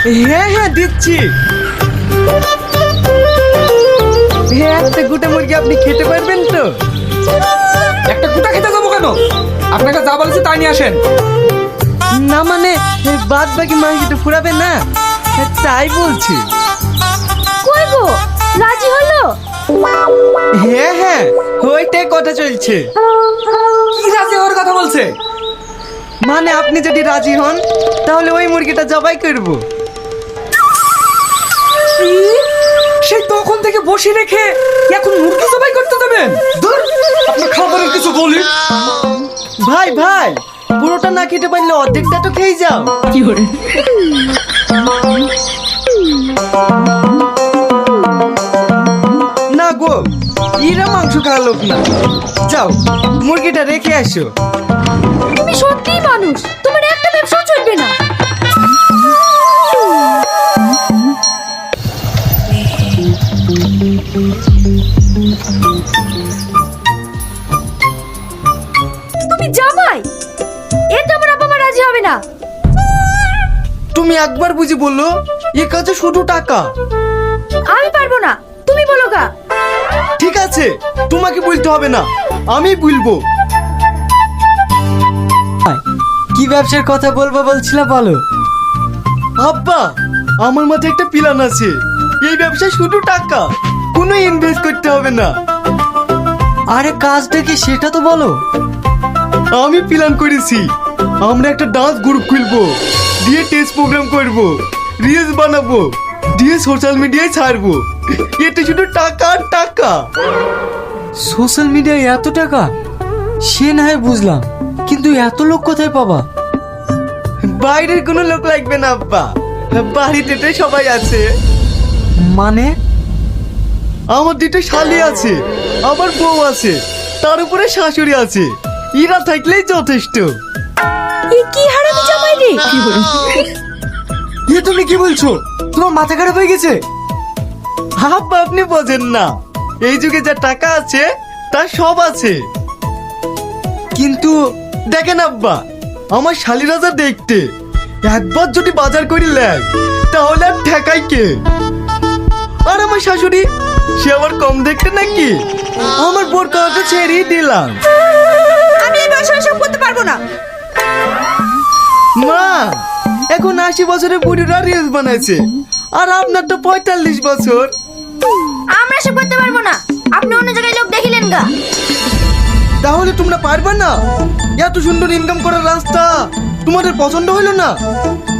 হ্যাঁ হ্যাঁ দিচ্ছি। হ্যাঁ, একটা গোটা মুরগি আপনি খেতে পারবেন তো? একটা গোটা খেতে যাবো কেন? আপনাকে যা বলেছি তাই নিয়ে আসেন। না মানে বাদ বাকি মাংসটা ফুরাবে না, তাই বলছি। কই গো, রাজি হলো? হ্যাঁ হ্যাঁ, ওইটাই কথা চলছে। কি রাজি হওয়ার কথা বলছে? মানে আপনি যদি রাজি হন তাহলে ওই মুরগিটা জবাই করব। সেই তখন থেকে বসে রেখে এখন মুরগি জবাই করতে দেবেন? ধুর, আপনার খাবারের কিছু বলি। ভাই ভাই, পুরোটা না খেতে পারলে অর্ধেকটা তো খেয়ে যাও। কি করে? না গো, এরা মাংস খাওয়ার লোক না। যাও মুরগিটা রেখে আসো। তুমি সত্যিই মানুষ, তোমার একটা ব্যবসাও চলবে না। তুমি জামাই, এটা আমার বাবা মা রাজি হবে না। তুমি একবার বুঝি বললো, এ কাছে শুধু টাকা। আমি পারবো না, তুমি বলো গা। ঠিক আছে, তোমাকে বলতে হবে না, আমি বলবো। কি ব্যবসার কথা বলবো বলছিলা, বলো। আব্বা, আমার মাথায় একটা প্ল্যান আছে। এই ব্যবসায় শুধু টাকা, কোনো ইনভেস্ট করতে হবে না। আরে কাজটা কি সেটা তো বলো। আমি প্ল্যান করেছি, আমরা একটা ডান্স গ্রুপ খুলবো, দিয়ে টেস্ট প্রোগ্রাম করব, রিলস বানাবো, দিয়ে সোশ্যাল মিডিয়ায় ছাড়বো। এতে শুধু টাকা আর টাকা। সোশ্যাল মিডিয়ায় এত টাকা? সে না হয় বুঝলাম, কিন্তু এত লোক কোথায় পাবা? বাইরের কোনো লোক লাগবে না আব্বা, বাড়িতে তো সবাই আছে। মানে? আমার দুটো শালি আছে, আমার বউ আছে, তার উপরে শাশুড়ি আছে। এরা থাকলেই যথেষ্ট। এ কি হারামি জামাই রে! এ তুমি কি বলছো? তোমার মাথা খারাপ হয়ে গেছে? আব্বা আপনি বোঝেন না, এই যুগে যা টাকা আছে তার সব আছে। কিন্তু দেখেন আব্বা, আমার শালিরা যা দেখতে, একবার যদি বাজার করে নেয় তাহলে আর ঠেকাই কে? আর আমার শাশুড়ি, সে আবার কম দেখতে নাকি? আমার বোর কাউকে ছেড়েই দিলাম। আমি এই বয়সে সব করতে পারবো না। মা, এখন 80 বছরের বুড়িরা রিলস বানাইছে, আর আপনার তো 45 বছর। আমরা সব করতে পারবো না, আপনি অন্য জায়গায় লোক দেখিলেন গা। তাহলে তোমরা পারবে না? এত সুন্দর ইনকাম করার রাস্তা তোমাদের পছন্দ হলো না?